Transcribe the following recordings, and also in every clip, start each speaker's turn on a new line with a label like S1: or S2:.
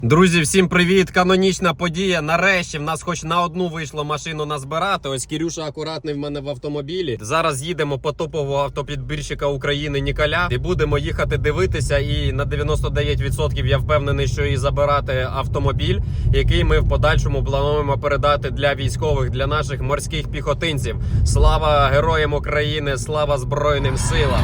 S1: Друзі, всім привіт! Канонічна подія. Нарешті в нас хоч на одну вийшло машину назбирати. Ось Кірюша акуратний в мене в автомобілі. Зараз їдемо по топового автопідбірщика України Ніколя. І будемо їхати дивитися. І на 99% я впевнений, що і забирати автомобіль, який ми в подальшому плануємо передати для військових, для наших морських піхотинців. Слава героям України, слава Збройним силам!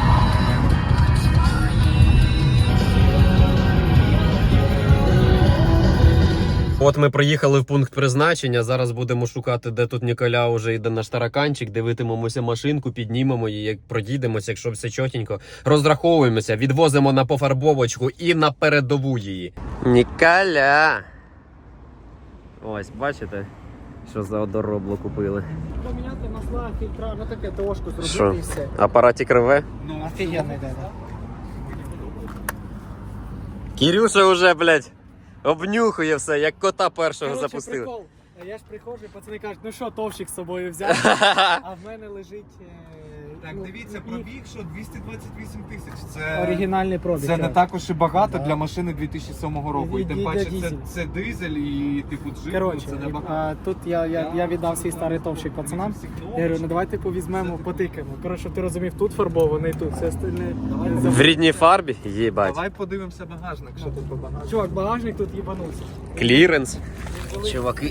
S1: От ми приїхали в пункт призначення, зараз будемо шукати, де тут Ніколя вже йде наш тараканчик, дивитимемося машинку, піднімемо її, проїдемося, якщо все чотенько. Розраховуємося, відвозимо на пофарбовочку і на передову її. Ніколя! Ось, бачите, що за одоробло купили.
S2: Поміняти масла, фільтра, ну таке ТОшку зробити
S1: Що?
S2: і все.
S1: Апаратик рве?
S2: Ну, офігенно йде, так?
S1: Кірюша вже, блядь, обнюхує все, як кота першого
S2: Короче,
S1: запустили.
S2: прикол. Я ж приходжу, пацани кажуть, ну що, товщик з собою взяв, а в мене лежить
S3: Так,
S2: ну,
S3: дивіться,
S2: їх
S3: пробіг, що 228 тисяч. Це,
S2: оригінальний пробіг.
S3: це не
S2: так.
S3: також і багато
S2: Да.
S3: для машини 2007 року. І тим
S2: Від
S3: паче
S2: дизель.
S3: це дизель і типу джип,
S2: Коротше,
S3: це не багато.
S2: тут я віддав свій старий товщик пацанам. Я говорю, ну давайте повізьмемо, потикаємо. Коротше, щоб ти розумів, тут фарбований, тут все остальне.
S1: В рідній фарбі? Єбать.
S3: Давай подивимося багажник, що тут по багажнику.
S2: Чувак, багажник тут їбанувся.
S1: Кліренс. Чуваки.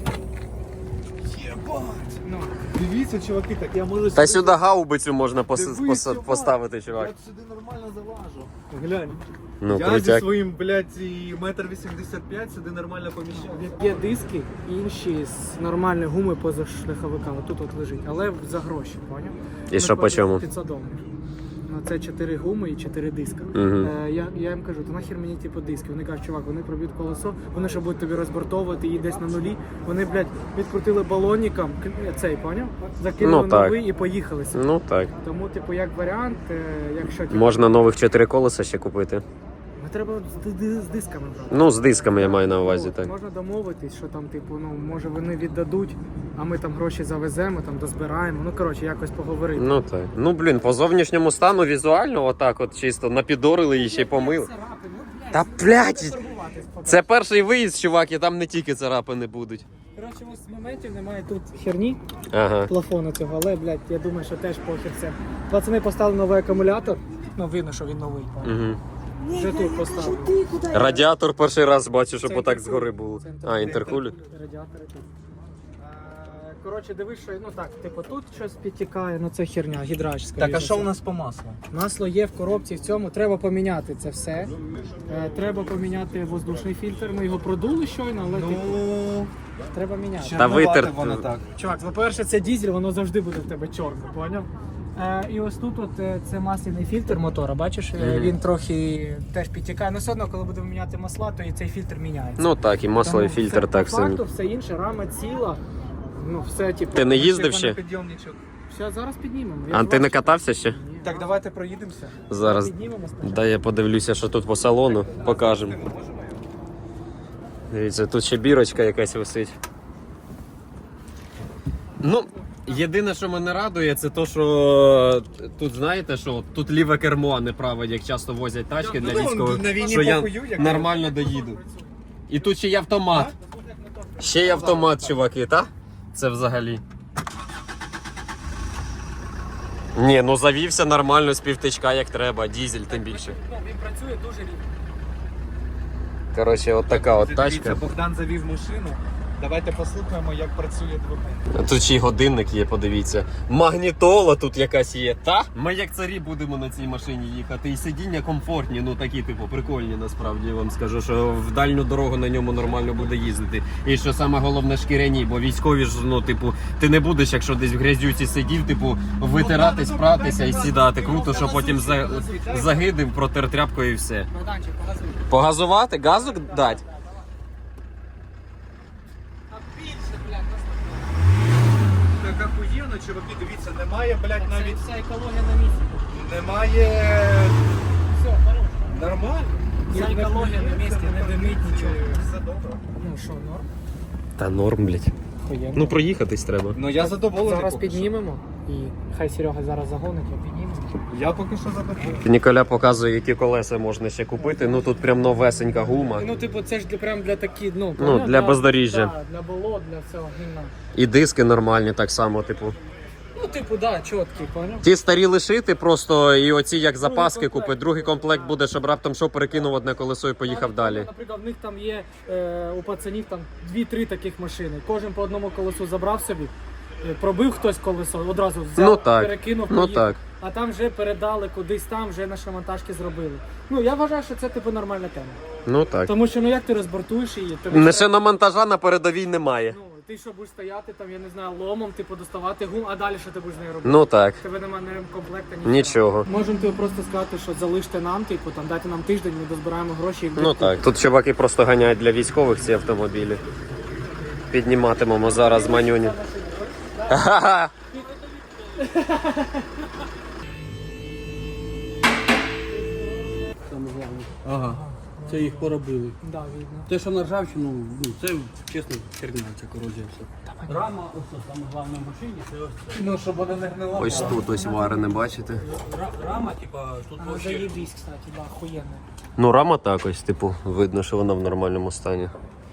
S2: Ну,
S3: Дивіться, чуваки, так я можу
S1: Та сюди гаубицю можна
S3: Дивись, чувак.
S1: поставити, чувак.
S3: Я сюди нормально залажу.
S2: глянь.
S1: Ну,
S3: Я зі
S1: крутяк.
S3: своїм, блядь, і 1,85 м сюди нормально поміщаю.
S2: Є диски інші з нормальної гуми поза шляховиками. Тут от лежить, але за гроші, поняв?
S1: І що по чому?
S2: 500 доларів. Ну, це 4 гуми і 4 диска.
S1: Мгм.
S2: Я їм кажу, то нахер мені типу диски. Вони кажуть, чувак, вони проб'ють колесо, вони що будуть тобі розбортовувати, її десь на нулі. Вони, блядь, відкрутили балонником, цей, поняв? Закинули
S1: Ну, так.
S2: новий і поїхали собі.
S1: Ну так.
S2: Тому, типу, як варіант, якщо типу,
S1: Можна нових 4 колеса ще купити.
S2: ну, треба з дисками брати.
S1: Ну, з дисками я маю на увазі,
S2: От,
S1: так.
S2: Можна домовитись, що там, типу, ну, може вони віддадуть, а ми там гроші завеземо, там дозбираємо. Ну, коротше, якось поговорити.
S1: Ну так. Ну, блін, по зовнішньому стану візуально отак от чисто напідорили і ще й помили. Та, блядь, це перший виїзд, чувак, і там не тільки царапини будуть.
S2: Коротше, ось з моментів немає тут херні,
S1: Ага.
S2: плафону цього, але, блядь, я думаю, що теж похер це. Пацани поставили новий акумулятор, ну, видно, що він новий.
S1: Угу.
S2: Вже тут поставили.
S1: Радіатор перший раз бачу, щоб
S2: Це
S1: отак
S2: інтеркулер.
S1: згори було.
S2: Це
S1: А, інтеркулер.
S2: Радіатори тут. Коротше, дивись, що, ну так, типу, тут щось підтікає, ну це херня, гідрач, скоріше.
S3: Так, а що
S2: за
S3: у
S2: все.
S3: нас по маслу?
S2: Масло є в коробці, в цьому треба поміняти це все. Треба поміняти воздушний фільтр. Ми його продули щойно, але типу,
S3: Ну,
S2: треба міняти.
S1: Та витер-
S3: воно так.
S2: Чувак, по-перше, це дізель, воно завжди буде в тебе чорне, поняв? І ось тут от, це масляний фільтр мотора, бачиш? Він трохи теж підтікає. Ну все одно, коли будемо міняти масла, то і цей фільтр міняється.
S1: Ну так, і масло, і
S2: Тому
S1: фільтр
S2: все,
S1: так
S2: по
S1: все.
S2: факту, все інше, рама ціла. Ну все, типу,
S1: Ти не їздив ще?
S3: Підйомничок.
S2: все, зараз піднімемо.
S1: А ти не катався ще?
S2: Ні.
S3: Так, давайте проїдемося.
S1: Зараз.
S2: Піднімемо спочатку.
S1: Дай я подивлюся, що тут по салону. Покажемо. Дивіться, тут ще бірочка якась висить. Ну, єдине, що мене радує, це то, що тут, знаєте, що тут ліве кермо, а не праве, як часто возять тачки для
S3: Ну,
S1: військових,
S3: на війні
S1: що я
S3: похую, як
S1: нормально доїду. І тут ще й автомат. Ще й автомат, чуваки, та? Це взагалі. Ні, ну завівся нормально з півтичка, як треба, дізель тим більше.
S2: Ну, він працює дуже рівно.
S1: Коротше, от така от
S3: Дивіться,
S1: тачка.
S3: Богдан завів машину. Давайте послухаємо, як працює двигун.
S1: Тут ще й годинник є, подивіться. Магнітола тут якась є. Та? Ми як царі будемо на цій машині їхати. І сидіння комфортні, ну такі, типу, прикольні насправді. Я вам скажу, що в дальню дорогу на ньому нормально буде їздити. І що саме головне, шкіряні, бо військові ж, ну, типу, ти не будеш, якщо десь в грязюці сидів, типу, витиратись, пратися і сідати. Круто, що потім загидив, протер тряпкою і все.
S2: Богданчик, показуй.
S1: Погазувати? Газу дати?
S3: Так охуєнно, чуваки, дивіться, немає, блядь, навіть
S2: Вся екологія на місці.
S3: немає.
S2: Все, хорош.
S3: Нормально.
S2: Вся екологія на місці, не димить нічого.
S3: Все добре.
S2: Ну що, норм?
S1: Та норм, блядь.
S2: Охуєнно.
S1: Ну проїхатись треба.
S3: Ну я задоволений.
S2: Зараз
S3: поки що.
S2: піднімемо. І хай Серега зараз загонить, я підніму.
S3: Я поки що заберу.
S1: Ніколя показує, які колеса можна ще купити. Ну тут прям новесенька гума.
S2: Ну, типу, це ж прям для такі,
S1: для бездоріжжя.
S2: Да, для болот, для всього гімна.
S1: І диски нормальні так само, типу.
S2: Ну, типу, да, чіткі, поняв?
S1: Ті старі лишити просто і оці як запаски
S2: комплект,
S1: купити. Другий комплект буде, щоб раптом що перекинув одне колесо і поїхав далі.
S2: Наприклад, в них там є у пацанів там 2-3 таких машини. Кожен по одному колесу забрав собі, пробив хтось колесо, одразу взяв,
S1: Ну так,
S2: перекинув,
S1: ну
S2: поїхав.
S1: так.
S2: А там вже передали кудись там, вже на шиномонтажки зробили. Ну, я вважаю, що це типу нормальна тема.
S1: Ну так.
S2: Тому що, ну як ти розбортуєш її? Тобі
S1: Не
S2: треба-
S1: ще на монтажа на передовій немає.
S2: Ну, ти що будеш стояти там, я не знаю, ломом, типу, доставати гум, а далі що ти будеш з нею робити?
S1: Ну так.
S2: Тебе немає ні комплекта,
S1: Нічого.
S2: Можемо тобі просто сказати, що залиште нам, типу, там дайте нам тиждень, ми дозбираємо гроші і
S1: Ну так. Тут чуваки просто ганяють для військових ці автомобілі. Підніматимемо зараз манюні. Ха-ха.
S4: Саме головне. Ага. Це їх поробили.
S2: Да, видно.
S4: Те, що на ржавчину, ну це чесно херня, ця корозія все. Рама, ось саме головне в машині, це ось це.
S2: Ну, щоб вона не гнила.
S1: Ось тут ось варене, бачите?
S4: Рама, типа, тут
S2: Вона
S4: вообще.
S2: заєбісь, кстати, да, охуєнно.
S1: Ну рама так ось, типу, видно, що вона в нормальному стані.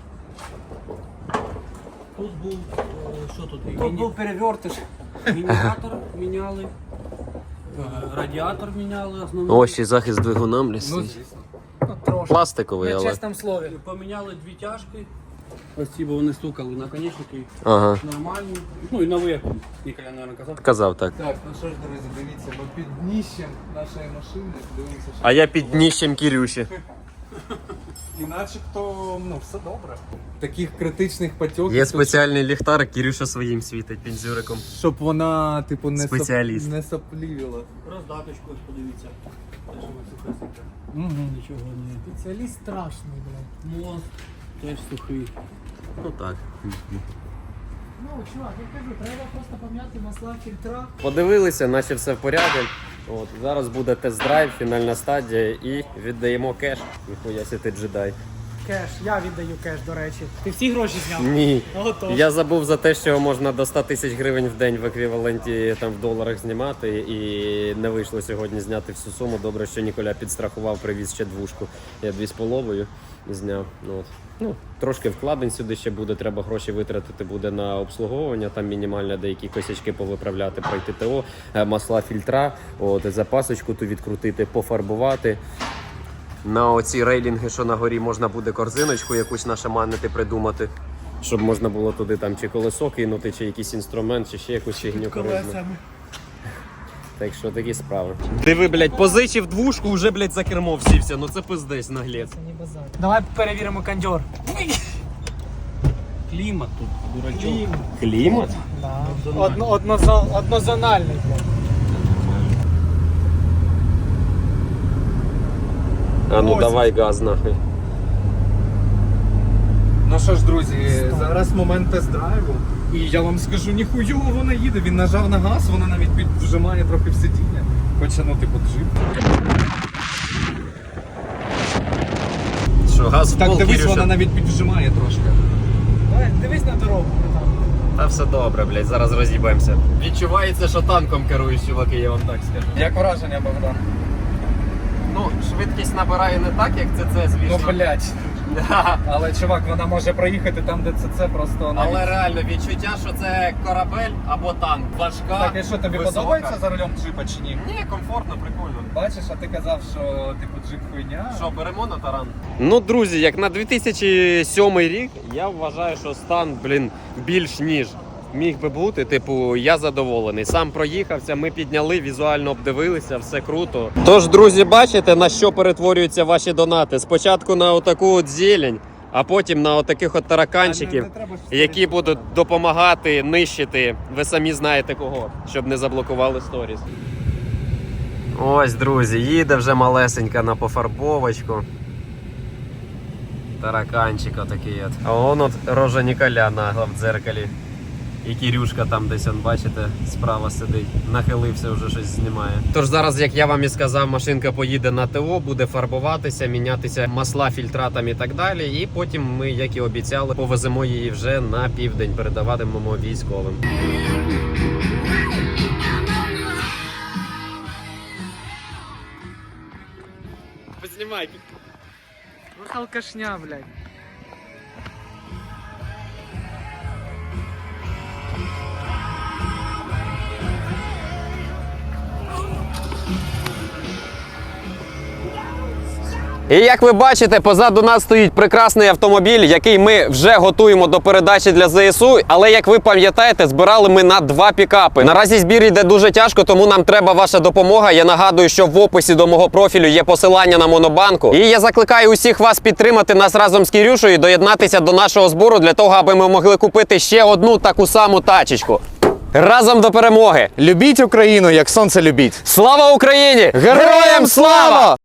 S4: Тут був, що тут?
S2: Тут був перевертиш.
S4: Мініматор міняли, радіатор міняли основний.
S1: Ось і захист двигуна, блістить.
S2: Ну, трошки.
S1: Пластиковий,
S2: На
S1: але.
S2: чесному слові.
S4: Поміняли дві тяжки. Ось ці, бо вони стукали наконечники.
S1: Ага.
S4: Нормальні. Ну і новий, як Ніколя, мабуть, казав.
S1: Казав так.
S3: Так, ну що ж, друзі, дивіться, ми під дніщем нашої машини дивимося, що
S1: А я під дніщем Кірюші.
S3: і начебто, ну, все добре. Таких критичних потьоків,
S1: Є
S3: тут,
S1: спеціальний ліхтар, Кірюша своїм світить пінзюриком.
S3: щоб вона, типу, не,
S1: Спеціаліст.
S3: не соплівіла.
S4: Роздаточку, ось подивіться. Теж вона сухесенька.
S3: Угу.
S4: Нічого не.
S2: Спеціаліст страшний, блядь.
S4: Мост теж сухий.
S1: Ну так.
S2: Ну, чувак, я кажу, треба просто пом'яти масла, фільтра.
S1: Подивилися, наче все в порядку. От, зараз буде тест-драйв, фінальна стадія і віддаємо кеш. Ніхуя сі ти джедай.
S2: Кеш, я віддаю кеш, до речі. Ти всі гроші зняв?
S1: Ні.
S2: Готов.
S1: Я забув за те, що можна до 100 тисяч гривень в день в еквіваленті там в доларах знімати, і не вийшло сьогодні зняти всю суму. Добре, що Ніколя підстрахував, привіз ще двушку. Я 2,5 зняв. От. Ну, трошки вкладень сюди ще буде, треба гроші витратити буде на обслуговування, там мінімально деякі косячки повиправляти, пройти ТО, масла, фільтра, от, запасочку ту відкрутити, пофарбувати. На оці рейлінги, що на горі, можна буде корзиночку якусь нашаманити, придумати, щоб можна було туди там чи колесо кинути, чи якийсь інструмент, чи ще якусь фігню корисну. Так що такі справи. Диви, блядь, позичив двушку, вже, блядь, за кермо всівся. Ну це пиздець, наглець.
S2: Це не базар. Давай перевіримо кондьор.
S4: Клімат тут, дурачок.
S1: Клімат?
S2: Да. Однозональний, блядь.
S1: А ну
S2: Ось.
S1: давай газ нахуй.
S3: Ну що ж, друзі, зараз момент тест-драйву. І я вам скажу, ніхуйово вона їде. Він нажав на газ, вона навіть піджимає трохи в сидіння. Хоча, ну, типу, джип.
S1: Що, газ в
S3: Так,
S1: пол,
S3: дивись,
S1: Кірюша?
S3: вона навіть піджимає трошки.
S2: Давай, дивись на дорогу. Там.
S1: Та все добре, блядь, зараз роз'їбаємося. Відчувається, що танком керуєш, чуваки, я вам так скажу.
S3: Як враження, Богдан?
S1: Ну, швидкість набирає не так, як це, звісно.
S3: Ну, блядь. Але, чувак, вона може проїхати там, де це просто навіть...
S1: Але реально відчуття, що це корабель або танк. Важка,
S3: Так, і що, тобі
S1: висока.
S3: подобається за рулем джипа чи ні?
S1: Ні, комфортно, прикольно.
S3: Бачиш, а ти казав, що типу джип хуйня.
S1: Що, беремо на таран? Ну, друзі, як на 2007 рік, я вважаю, що стан, більш ніж міг би бути. Типу, я задоволений. Сам проїхався, ми підняли, візуально обдивилися, все круто. Тож, друзі, бачите, на що перетворюються ваші донати? Спочатку на отаку от зелень, а потім на отаких от тараканчиків, які будуть допомагати нищити, ви самі знаєте кого, щоб не заблокували сторіс. Ось, друзі, їде вже малесенька на пофарбовочку. Тараканчик отакий от. А вон от рожа Ніколя нагла в дзеркалі. І Кірюшка там десь, он, бачите, справа сидить. Нахилився, вже щось знімає. Тож зараз, як я вам і сказав, машинка поїде на ТО, буде фарбуватися, мінятися масла, фільтра там і так далі. І потім ми, як і обіцяли, повеземо її вже на південь, передаватимемо військовим. Тримай.
S2: Ох, алкашня, блядь.
S1: І як ви бачите, позаду нас стоїть прекрасний автомобіль, який ми вже готуємо до передачі для ЗСУ. Але, як ви пам'ятаєте, збирали ми на 2 пікапи. Наразі збір йде дуже тяжко, тому нам треба ваша допомога. Я нагадую, що в описі до мого профілю є посилання на Монобанку. І я закликаю усіх вас підтримати нас разом з Кірюшею і доєднатися до нашого збору для того, аби ми могли купити ще одну таку саму тачечку. Разом до перемоги!
S3: Любіть Україну, як сонце любіть.
S1: Слава Україні!
S3: Героям слава!